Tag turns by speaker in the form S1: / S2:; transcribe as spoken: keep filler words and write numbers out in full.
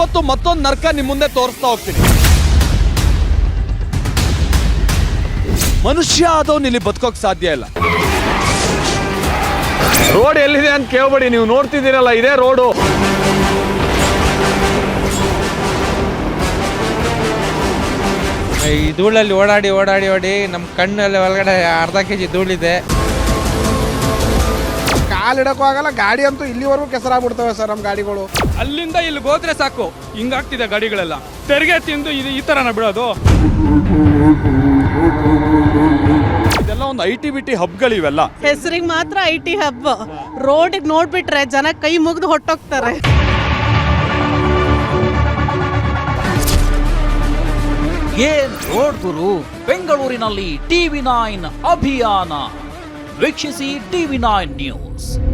S1: ಇವತ್ತು ಮತ್ತೊಂದು ನರ್ಕ ನಿಮ್ಮ ಮುಂದೆ ತೋರಿಸ್ತಾ ಹೋಗ್ತೀನಿ. ಮನುಷ್ಯ ಆದವನು ಇಲ್ಲಿ ಬದುಕೋಕ್ ಸಾಧ್ಯ ಇಲ್ಲ.
S2: ರೋಡ್ ಎಲ್ಲಿದೆ ಅಂತ ಕೇಳ್ಬೇಡಿ, ನೀವು ನೋಡ್ತಿದ್ದೀರಲ್ಲ ಇದೇ ರೋಡು.
S3: ಈ ಧೂಳಲ್ಲಿ ಓಡಾಡಿ ಓಡಾಡಿ ಓಡಿ ನಮ್ಮ ಕಣ್ಣಲ್ಲಿ ಒಳಗಡೆ ಅರ್ಧ ಕೆ ಜಿ ಧೂಳಿದೆ.
S4: ಕಾಲಿಡಕ್ಕೂ ಆಗಲ್ಲ, ಗಾಡಿ ಅಂತೂ ಇಲ್ಲಿವರೆಗೂ ಕೆಸರಾಗ್ಬಿಡ್ತವೆ ಸರ್ ನಮ್ಮ ಗಾಡಿಗಳು.
S5: ಅಲ್ಲಿಂದ ಇಲ್ಲಿ ಹೋದ್ರೆ ಸಾಕು ಹಿಂಗಾಗ್ತಿದೆ ಗಾಡಿಗಳೆಲ್ಲ. ತೆರಿಗೆ ತಿಂದು ಇದು ಈ ಥರನ ಬಿಡೋದು.
S1: ಇದೆಲ್ಲ ಒಂದು ಐ ಟಿ ಬಿ ಟಿ ಹಬ್ಗಳಿವೆಲ್ಲ.
S6: ಹೆಸರಿಗೆ ಮಾತ್ರ ಐ ಟಿ ಹಬ್. ರೋಡಿಗೆ ನೋಡ್ಬಿಟ್ರೆ ಜನ ಕೈ ಮುಗಿದು ಹೊಟ್ಟೋಗ್ತಾರೆ.
S7: ಏನ್ ರೋಡ್ ಗುರು, ಬೆಂಗಳೂರಿನಲ್ಲಿ ಟಿವಿ ನೈನ್ ಅಭಿಯಾನ ವೀಕ್ಷಿಸಿ. TV nine news.